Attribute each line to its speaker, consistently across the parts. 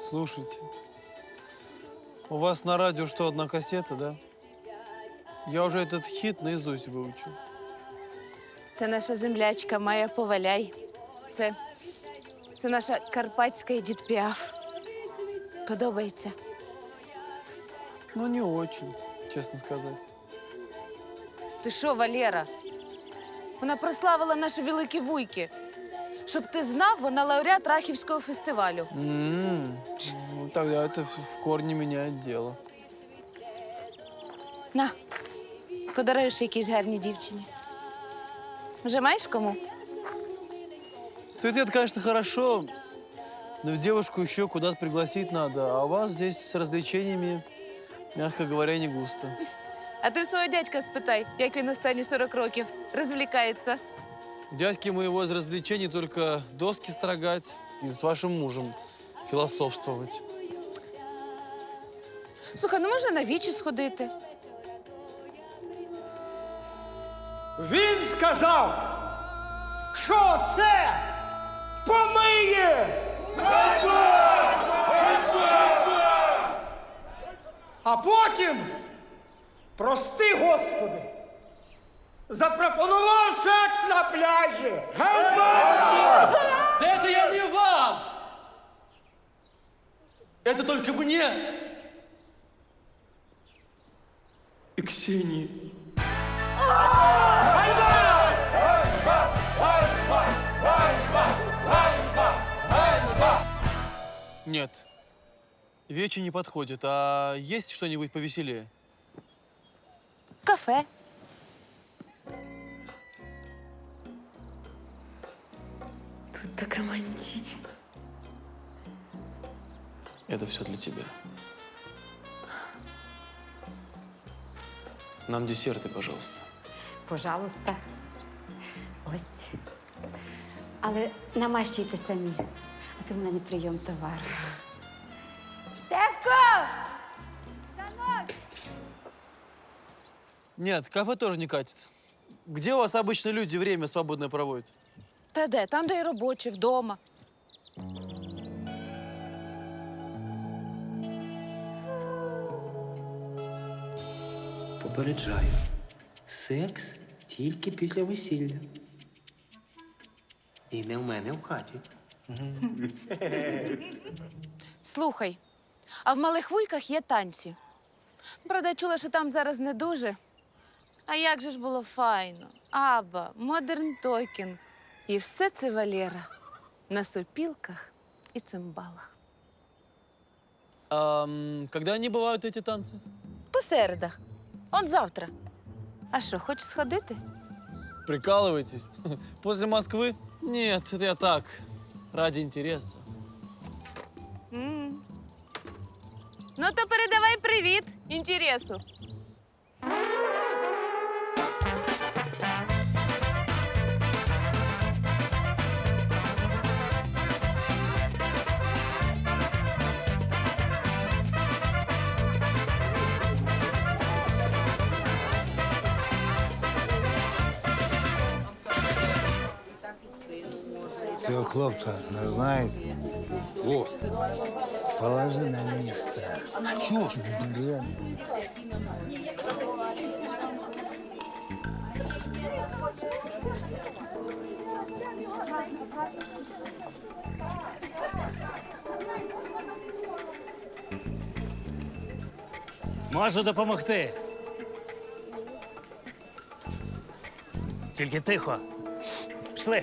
Speaker 1: Слушайте, у вас на радио что, одна кассета, да? Я уже этот хит наизусть выучил.
Speaker 2: Це наша землячка Майя Поваляй. Це наша карпатська Едіт Піаф. Подобається?
Speaker 1: Ну, не очень, честно сказать.
Speaker 2: Ти що, Валера? Вона прославила наші великі вуйки. Щоб ти знав, вона лауреат Рахівського фестивалю.
Speaker 1: Ну, тогда это в корне меняет дело.
Speaker 2: На, подаруєш якійсь гарній дівчині. Вже маєш кому?
Speaker 1: Цветы, это, конечно, хорошо, но в девушку еще куда-то пригласить надо, а у вас здесь с развлечениями, мягко говоря, не густо.
Speaker 2: А ти в свого дядька спитай, як він останні 40 років розвлікається.
Speaker 1: У дядьки моего из развлечений только доски строгать и с вашим мужем философствовать.
Speaker 2: Слухай, ну можна на вічі сходити.
Speaker 3: Він сказав, що це помиє! А потім, прости, Господи, запропонував секс на пляжі.
Speaker 4: Да это я не вам! Это только мне и Ксении.
Speaker 1: Нет, вече не подходит. А есть что-нибудь повеселее?
Speaker 2: Кафе.
Speaker 5: Тут так романтично.
Speaker 4: Это все для тебя. Нам десерты, пожалуйста.
Speaker 5: Пожалуйста. Ось. Але намащуйте самі, а то в мене прийом товару. Штефко!
Speaker 1: Нет, кафе тоже не катит. Где у вас обычно люди время свободное проводят?
Speaker 2: Та де? Там, де і робочі, вдома.
Speaker 6: Попереджаю. Секс тільки після весілля. І не в мене в хаті.
Speaker 2: Слухай, а в малих вуйках є танці. Правда, я чула, що там зараз не дуже. А як же ж було файно. Аба, модерн токінг. І все це, Валера, на сопілках і цимбалах.
Speaker 1: Когда они бывают, эти танцы?
Speaker 2: По середах. Он завтра. А що, хочеш сходити?
Speaker 1: Прикалываетесь? После Москвы? Нет, это я так, ради интереса.
Speaker 2: Ну, то передавай привіт інтересу.
Speaker 7: Цього хлопця не знаєте?
Speaker 4: О,
Speaker 7: Положи на місце.
Speaker 4: а чё ж?
Speaker 8: Можу допомогти. Тільки тихо. Пішли.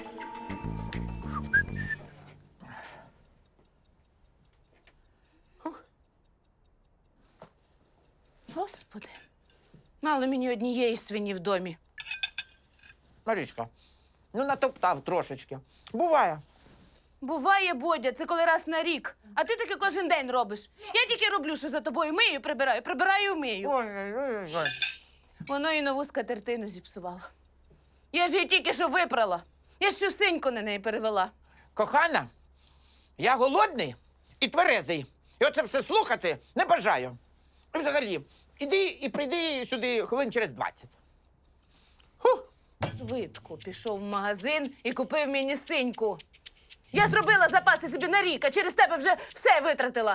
Speaker 2: Господи, мало мені однієї свині в домі.
Speaker 9: Марічка, ну натоптав трошечки. Буває.
Speaker 2: Буває, Бодя, це коли раз на рік. А ти таки кожен день робиш. Я тільки роблю, що за тобою мию, прибираю, мию.
Speaker 9: Ой.
Speaker 2: Воно і нову скатертину зіпсувало. Я ж її тільки що випрала. Я ж всю синьку на неї перевела.
Speaker 9: Кохана, я голодний і тверезий. І оце все слухати не бажаю. І взагалі, іди і прийди сюди хвилин через 20.
Speaker 2: Швидко пішов в магазин і купив мені синьку. Я зробила запаси собі на рік, а через тебе вже все витратила.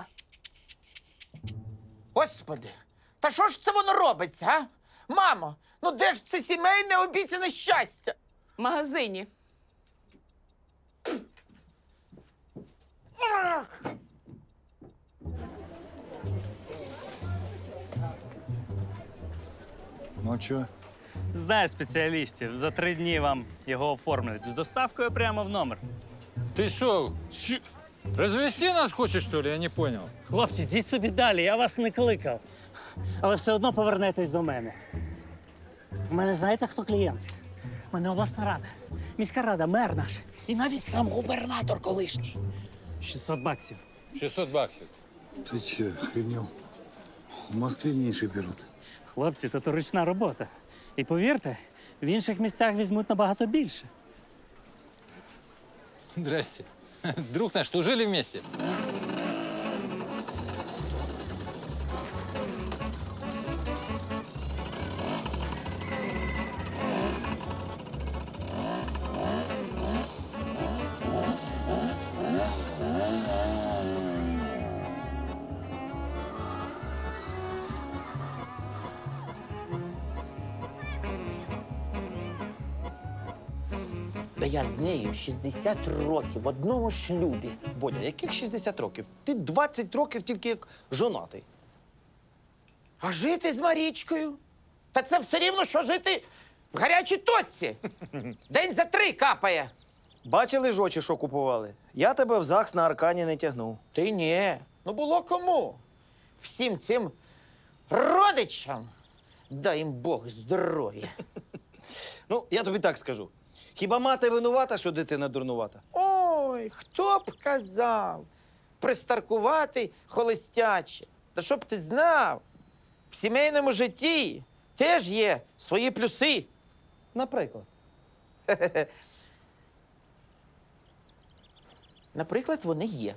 Speaker 9: Господи, та що ж це воно робиться, а? Мамо, ну де ж це сімейне обіцяне щастя?
Speaker 2: В магазині.
Speaker 7: Ну чё?
Speaker 8: Знаю спеціалістів. За 3 дні вам його оформлять. З доставкою прямо в номер.
Speaker 10: Ты что, развести нас хочешь, что ли? Я не понял.
Speaker 8: Хлопці, йдіть собі далі, я вас не кликав. Але все одно повернетесь до мене. У мене знаєте, хто клієнт? У мене обласна рада, міська рада, мер наш. І навіть сам губернатор колишній. 600 баксів.
Speaker 10: 600 баксов.
Speaker 7: Ты чё, охренел? В Москве меньше берут.
Speaker 8: Хлопці, то ручна робота. І повірте, в інших місцях візьмуть набагато більше.
Speaker 10: Здрасте. Друг наш, служили вместе?
Speaker 9: Да я з нею 60 років в одному шлюбі.
Speaker 11: Бодя, яких 60 років? Ти 20 років тільки як жонатий.
Speaker 9: А жити з Марічкою? Та це все рівно, що жити в гарячій точці. День за 3 капає.
Speaker 11: Бачили ж очі, що купували? Я тебе в ЗАГС на Аркані не тягнув.
Speaker 9: Ти ні. Ну було кому. Всім цим родичам дай їм Бог здоров'я.
Speaker 11: Ну, я тобі так скажу. Хіба мати винувата, що дитина дурнувата?
Speaker 9: Ой, хто б казав? Пристаркувати холостяче. Та щоб ти знав, в сімейному житті теж є свої плюси.
Speaker 11: Наприклад.
Speaker 9: Наприклад, вони є.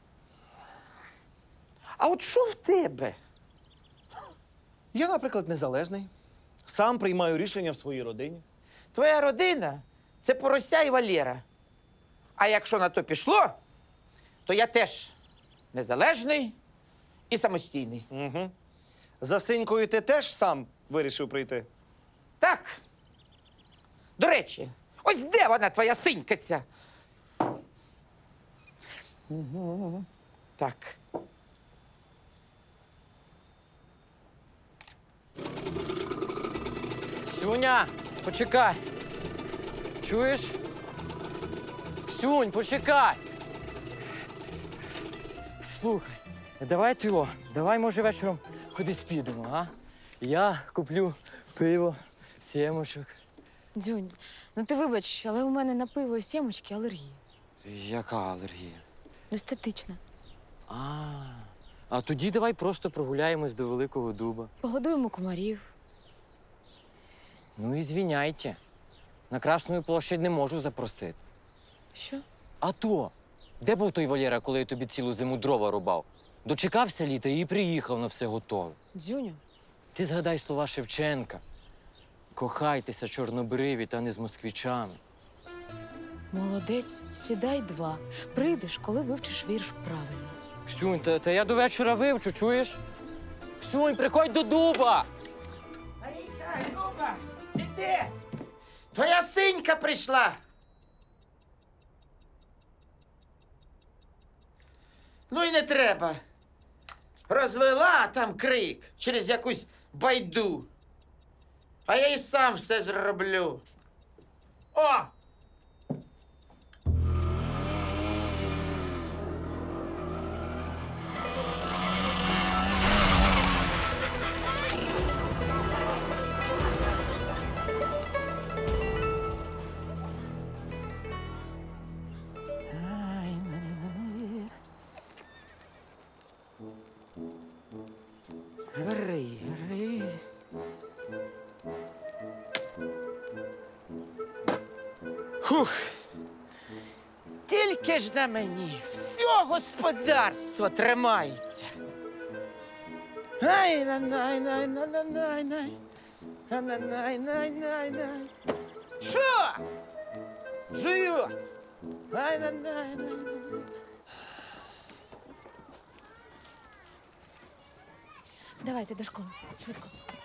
Speaker 9: А от що в тебе?
Speaker 11: Я, наприклад, незалежний. Сам приймаю рішення в своїй родині.
Speaker 9: Твоя родина – це Порося і Валєра. А якщо на то пішло, то я теж незалежний і самостійний.
Speaker 11: Угу. За синькою ти теж сам вирішив прийти?
Speaker 9: Так. До речі, ось де вона, твоя синька ця? Так.
Speaker 12: Сюня, почекай. Чуєш? Сюнь, почекай. Слухай, давай, може, вечором кудись підемо, а? Я куплю пиво, сімочок.
Speaker 13: Дзюнь, ну ти вибач, але у мене на пиво і сімочки алергія.
Speaker 12: Яка алергія?
Speaker 13: Естетична.
Speaker 12: А тоді давай просто прогуляємось до Великого Дуба.
Speaker 13: Погодуємо комарів.
Speaker 12: Ну і звіняйте. На Красну площадь не можу запросити.
Speaker 13: Що?
Speaker 12: А то, де був той Валєра, коли я тобі цілу зиму дрова рубав? Дочекався літа і приїхав на все готове.
Speaker 13: Дзюню,
Speaker 12: Ти згадай слова Шевченка. Кохайтеся, чорнобриві, та не з москвичами.
Speaker 13: молодець, сідай 2. Прийдеш, коли вивчиш вірш правильно.
Speaker 12: Ксюнь, та я до вечора вивчу, чуєш? Ксюнь, приходь до дуба!
Speaker 9: Марійка, Люба, ти де? Твоя синька прийшла. Ну і не треба. Розвела там крик через якусь байду. А я і сам все зроблю. О! Гри. Хух. Тільки ж на мені все господарство тримається. Ай, най. Що? Жують.
Speaker 13: Давайте до школи. Швидко.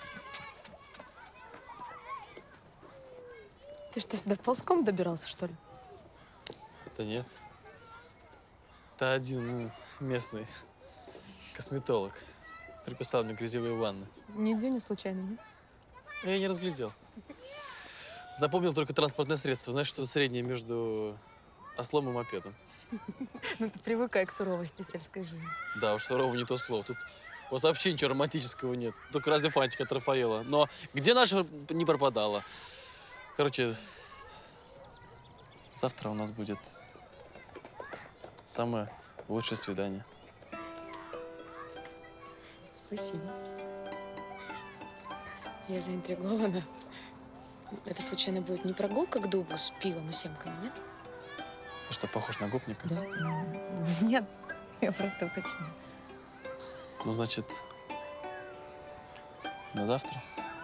Speaker 13: Ты что, сюда ползком добирался, что ли?
Speaker 1: Да нет. Это один местный косметолог. Приписал мне грязевые ванны.
Speaker 13: Не Дзюня случайно, нет?
Speaker 1: Я не разглядел. Запомнил только транспортное средство. Знаешь, что среднее между ослом и мопедом.
Speaker 13: Ну ты привыкай к суровости сельской жизни.
Speaker 1: Да уж, сурово не то слово. Тут у вас вообще ничего романтического нет. Только разве фантика от Рафаэла. Но где наша не пропадала. Короче, завтра у нас будет самое лучшее свидание.
Speaker 13: Спасибо. Я заинтригована. Это случайно будет не прогулка к дубу с пивом и семками, нет?
Speaker 1: А что, похож на гопника?
Speaker 13: Да. Нет, я просто уточняю.
Speaker 1: Ну, значит, на завтра?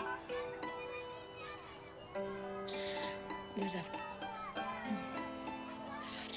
Speaker 13: До завтра. До завтра.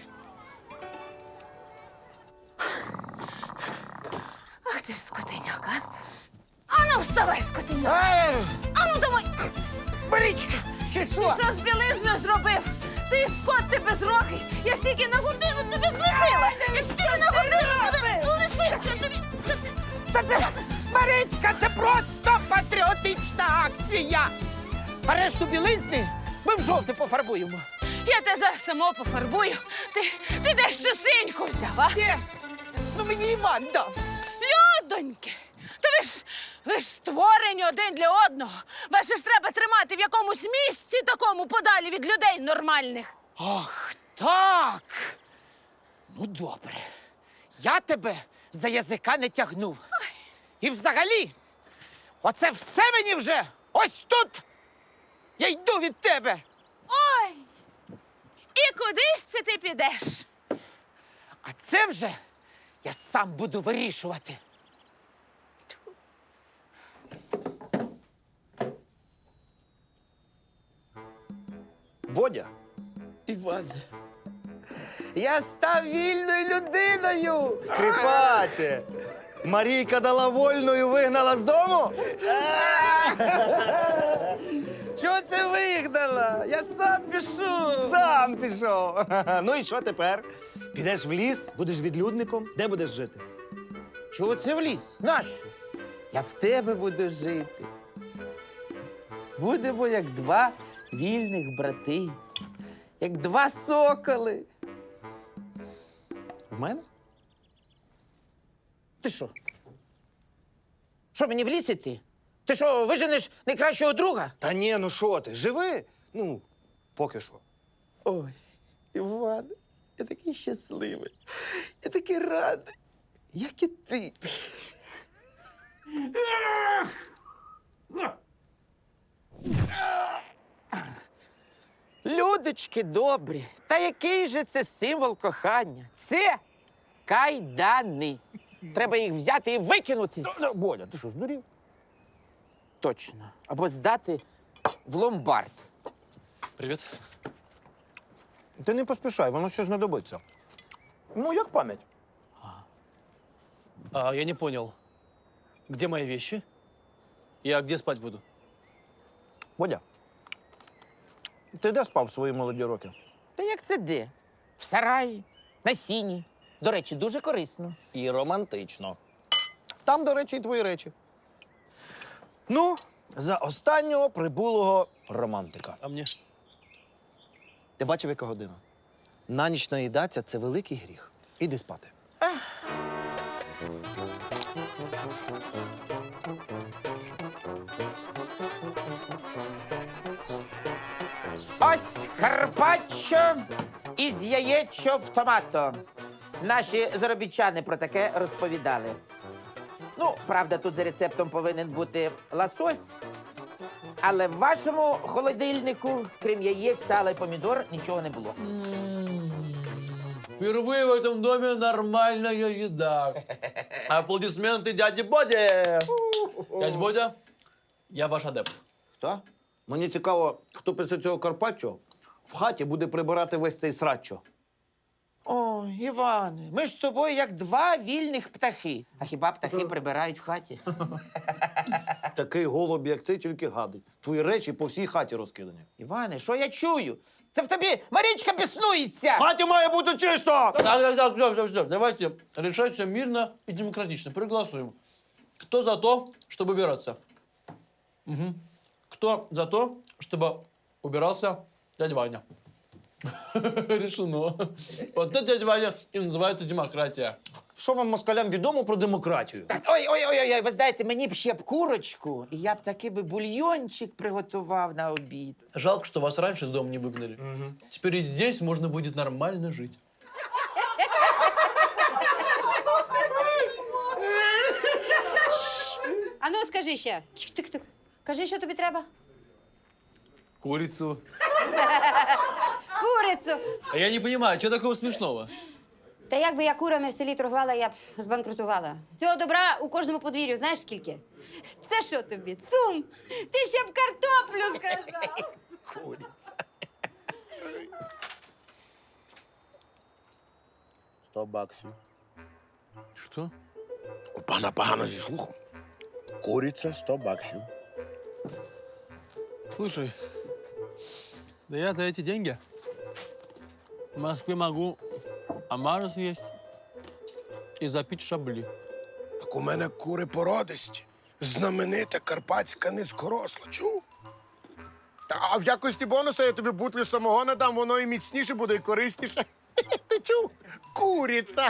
Speaker 2: Ах ти ж скотиняк, а? Ану, вставай, скотиняк! Ану, давай!
Speaker 9: Марічка, чи
Speaker 2: Ти що з білизни зробив? Ти скот, ти безрогий! Я стільки на годину тебе ж лишила! Я стільки на годину тебе лишила! Я тобі...
Speaker 9: Марічка, це просто патріотична акція. А решту білизни ми в жовте пофарбуємо.
Speaker 2: Я тебе зараз само пофарбую. Ти десь цю синьку взяв, а?
Speaker 9: Ні, ну мені Іван дав.
Speaker 2: Людоньки, то ви ж створені один для одного. Вас же ж треба тримати в якомусь місці такому подалі від людей нормальних.
Speaker 9: Ах, так. Ну, добре. Я тебе за язика не тягнув. І взагалі, оце все мені вже ось тут. Я йду від тебе.
Speaker 2: Ой! І куди ж це ти підеш?
Speaker 9: А це вже я сам буду вирішувати.
Speaker 11: Бодя,
Speaker 9: Іван, я став вільною людиною.
Speaker 11: кріпаче, Марійка дала вольну і вигнала з дому?
Speaker 9: Чого це вигнала? Я сам пішов.
Speaker 11: Сам пішов. Ну і що тепер? Підеш в ліс, будеш відлюдником, де будеш жити?
Speaker 9: Чого це в ліс? Нащо? Я в тебе буду жити. Будемо як два вільних брати, як два соколи.
Speaker 11: В мене?
Speaker 9: Ти що? Що, мені в ліс іти? Ти що, виженеш найкращого друга?
Speaker 11: Та ні, ну що ти, живи? Ну, поки що.
Speaker 9: Ой, Іван, я такий щасливий, я такий радий, як і ти. Людочки добрі, та який же це символ кохання? Це кайдани. Треба їх взяти і викинути.
Speaker 11: Бодя, ти що, здурів?
Speaker 9: Точно. Або здати в ломбард.
Speaker 1: Привет.
Speaker 11: Ти не поспішай, воно ще знадобиться. Ну, як пам'ять.
Speaker 1: А, я не понял. Где мои вещи? Я где спать буду?
Speaker 11: Бодя, ти де спав свої молоді роки?
Speaker 9: Та як це де? В сараї, на сіні. До речі, дуже корисно.
Speaker 11: І романтично. Там, до речі, і твої речі. Ну, за останнього прибулого романтика.
Speaker 1: А мне?
Speaker 11: Ти бачив, яка година? На ніч наїдаться – це великий гріх. Іди спати.
Speaker 9: Ось карпаччо із яєчо в томато. Наші заробітчани про таке розповідали. Ну, правда, тут за рецептом повинен бути лосось, але в вашому холодильнику, крім яєць, сала і помідор, нічого не було.
Speaker 1: Впервые в этом доме нормальная еда. Аплодисменты дяде Боде. Дядь Бодя, я ваш адепт.
Speaker 9: Хто?
Speaker 11: Мені цікаво, хто після цього карпаччо в хаті буде прибирати весь цей сраччо.
Speaker 9: О, Іване, ми ж з тобою як два вільних птахи. А хіба птахи прибирають в хаті?
Speaker 11: Такий голуб, як ти, тільки гадить. Твої речі по всій хаті розкидані.
Speaker 9: Іване, що я чую? Це в тобі Марічка біснується!
Speaker 11: В хаті має бути чисто!
Speaker 1: Так, все. Давайте решать все мирно и демократично. Проголосуем. Кто за то, чтобы убираться? Угу. Кто за то, чтобы убирался дядя Ваня? Решено. Вот это, дядя Ваня, и называется демократия.
Speaker 11: Що вам, москалям, відомо про демократію?
Speaker 9: Так, ой, ви знаєте, мені б ще б курочку, і я б такий би бульйончик приготував на обід.
Speaker 1: Жалко, что вас раньше из дома не выгнали. Теперь и здесь можно будет нормально жить.
Speaker 5: А ну, скажи ще. Чик-тик-тик. Кажи, що тобі треба?
Speaker 1: Курицу.
Speaker 5: Курицю.
Speaker 1: А я не понимаю, что такого смешного?
Speaker 5: Та якби я курами в селі торгувала, я б збанкрутувала. Цього добра у кожному подвір'ю знаєш скільки? Це що тобі? Цум! Ти ще б картоплю сказав!
Speaker 11: Куриця. 100 баксів.
Speaker 1: Что?
Speaker 7: У пана погано зі слухом. Куриця 100 баксів.
Speaker 1: Слушай, да я за эти деньги в Москве могу омара съесть и запить шабли.
Speaker 7: Так у мене кури породисті. Знаменита карпатська низкоросла. Чув? А в якості бонуса я тобі бутлю самогона дам, воно і міцніше буде, і корисніше. Ти чув? Куриця.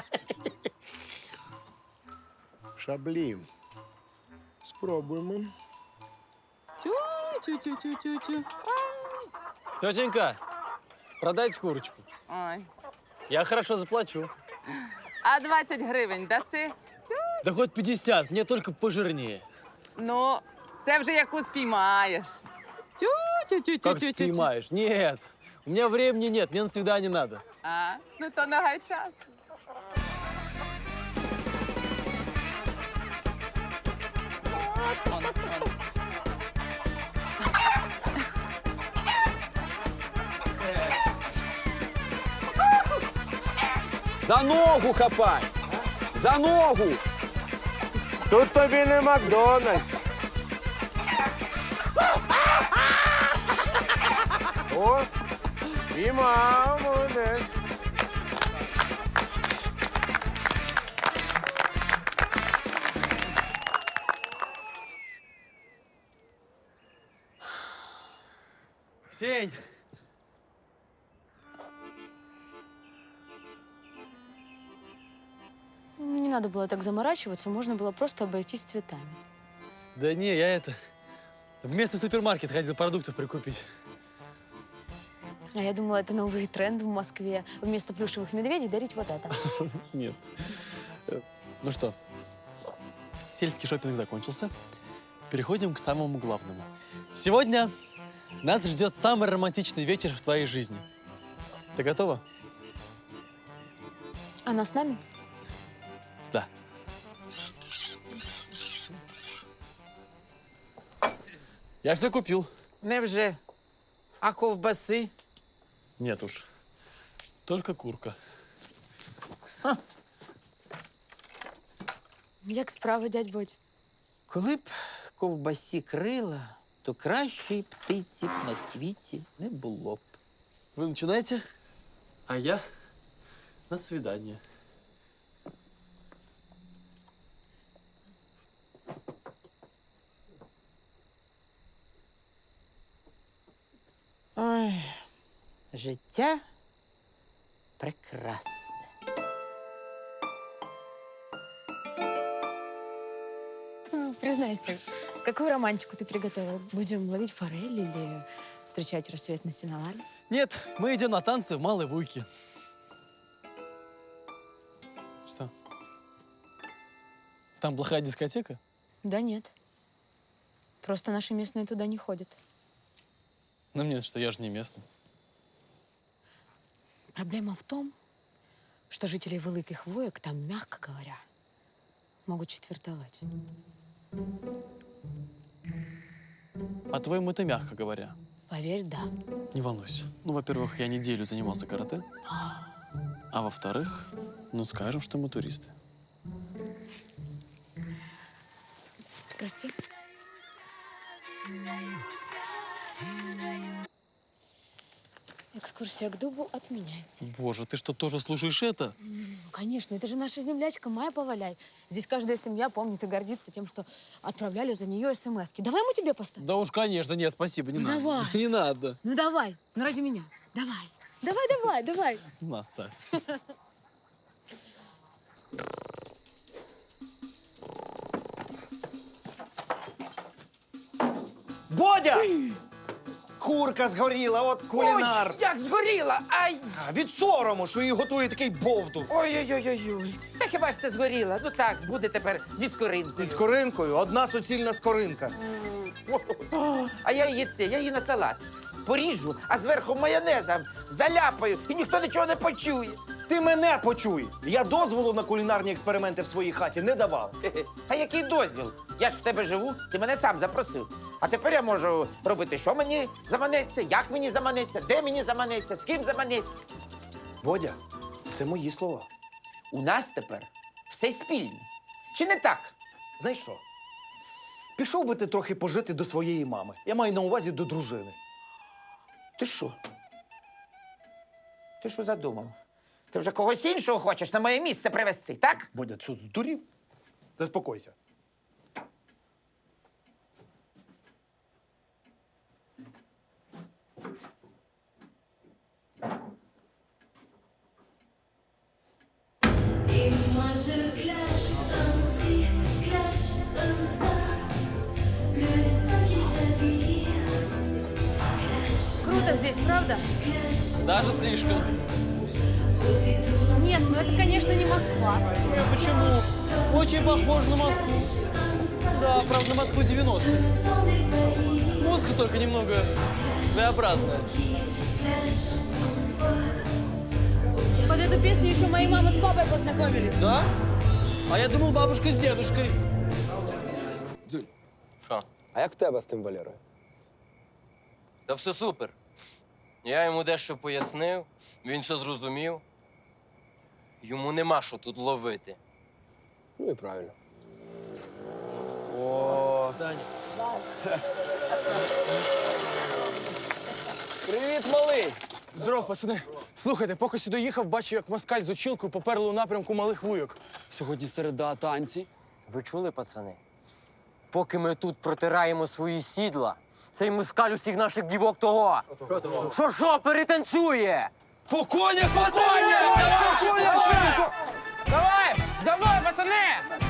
Speaker 7: Шаблі. Спробуємо.
Speaker 2: Тю-тю-тю-тю-тю.
Speaker 1: Тетенька, продайте курочку.
Speaker 2: Ой.
Speaker 1: Я хорошо заплачу.
Speaker 2: А 20 гривень даси?
Speaker 1: Да хоть 50, мне только пожирнее.
Speaker 2: Ну, це вже яку спіймаєш.
Speaker 1: Как ты понимаешь? Нет, у меня времени нет, мне на свидание надо.
Speaker 2: А, ну то нагай час.
Speaker 3: За ногу хапай! За ногу! Тут тобі не Макдональдс. О, піймав, молодець.
Speaker 1: Сень!
Speaker 13: Не надо было так заморачиваться, можно было просто обойтись цветами.
Speaker 1: Да не, я в местный супермаркет ходил продуктов прикупить.
Speaker 13: А я думала, это новый тренд в Москве. Вместо плюшевых медведей дарить вот это.
Speaker 1: Нет. Ну что, сельский шопинг закончился. Переходим к самому главному. Сегодня нас ждет самый романтичный вечер в твоей жизни. Ты готова?
Speaker 13: Она с нами?
Speaker 1: Да. Я все купил.
Speaker 9: Невже? А ковбаси?
Speaker 1: Нет уж. Только курка.
Speaker 13: Як справа, дядь Бодь?
Speaker 9: Коли б ковбасі крила, то кращої птиці б на світі не було б.
Speaker 1: Вы начинаете, а я на свидание.
Speaker 9: Ой, життя прекрасне.
Speaker 13: Признайся, какую романтику ты приготовил? Будем ловить форель или встречать рассвет на сеновале?
Speaker 1: Нет, мы идем на танцы в Малой Вуйке. Что? Там плохая дискотека?
Speaker 13: Да нет. Просто наши местные туда не ходят.
Speaker 1: Ну нет, что я же не местный.
Speaker 13: Проблема в том, что жители Великих Воек там, мягко говоря, могут четвертовать.
Speaker 1: По-твоему, это мягко говоря.
Speaker 13: Поверь, да.
Speaker 1: Не волнуйся. Ну, во-первых, я неделю занимался карате. А во-вторых, ну скажем, что мы туристы.
Speaker 13: Прости. Экскурсия к дубу отменяется.
Speaker 1: Боже, ты что, тоже слушаешь это?
Speaker 13: Ну, конечно, это же наша землячка Майя Поваляй. Здесь каждая семья помнит и гордится тем, что отправляли за нее смс-ки. Давай мы тебе поставим.
Speaker 1: Да уж, конечно, нет, спасибо, не
Speaker 13: Ну,
Speaker 1: надо.
Speaker 13: давай.
Speaker 1: Не надо.
Speaker 13: Ну давай, ну ради меня. Давай. Давай.
Speaker 1: Наставь.
Speaker 11: Бодя! Курка згоріла, от кулінар.
Speaker 9: Ой, як згоріла! Ай!
Speaker 11: Від сорому, що її готує такий бовдур.
Speaker 9: Ой-ой-ой-ой. Та хіба ж це згоріла? Ну так, буде тепер зі скоринкою.
Speaker 11: Зі скоринкою одна суцільна скоринка.
Speaker 9: А я її на салат поріжу, а зверху майонезом заляпаю, і ніхто нічого не почує.
Speaker 11: Ти мене почуй! Я дозволу на кулінарні експерименти в своїй хаті не давав.
Speaker 9: А який дозвіл? Я ж в тебе живу, ти мене сам запросив. А тепер я можу робити, що мені заманеться, як мені заманеться, де мені заманеться, з ким заманеться.
Speaker 11: Бодя, це мої слова.
Speaker 9: У нас тепер все спільне. Чи не так?
Speaker 11: Знаєш що? Пішов би ти трохи пожити до своєї мами. Я маю на увазі до дружини.
Speaker 9: Ти що? Ти що задумав? Ти вже когось іншого хочеш на моє місце привезти, так?
Speaker 11: Бодя, що, здурів? Заспокойся.
Speaker 13: Круто здесь, правда?
Speaker 1: Даже слишком.
Speaker 13: Нет, ну это, конечно, не Москва.
Speaker 1: Почему? Очень похож на Москву. Да, правда, на Москву 90-х. Музыка только немного своеобразная.
Speaker 13: Под эту песню еще мои мама с папой познакомились.
Speaker 1: Да? А я думал, бабушка с дедушкой.
Speaker 3: А як в тебе з тим Валерою?
Speaker 12: Та все супер. Я йому дещо пояснив, він все зрозумів. Йому нема що тут ловити.
Speaker 3: Ну і правильно.
Speaker 12: О,
Speaker 3: Привіт, малий!
Speaker 14: Здоров, пацани. Слухайте, поки сюди їхав, бачив, як москаль з очілкою поперли у напрямку Малих Вуйок. Сьогодні середа, танці.
Speaker 12: ви чули, пацани? Поки ми тут протираємо свої сідла, цей москаль усіх наших дівок того. Що, перетанцює?
Speaker 14: По конях, пацани!
Speaker 3: Давай! За мною, пацани!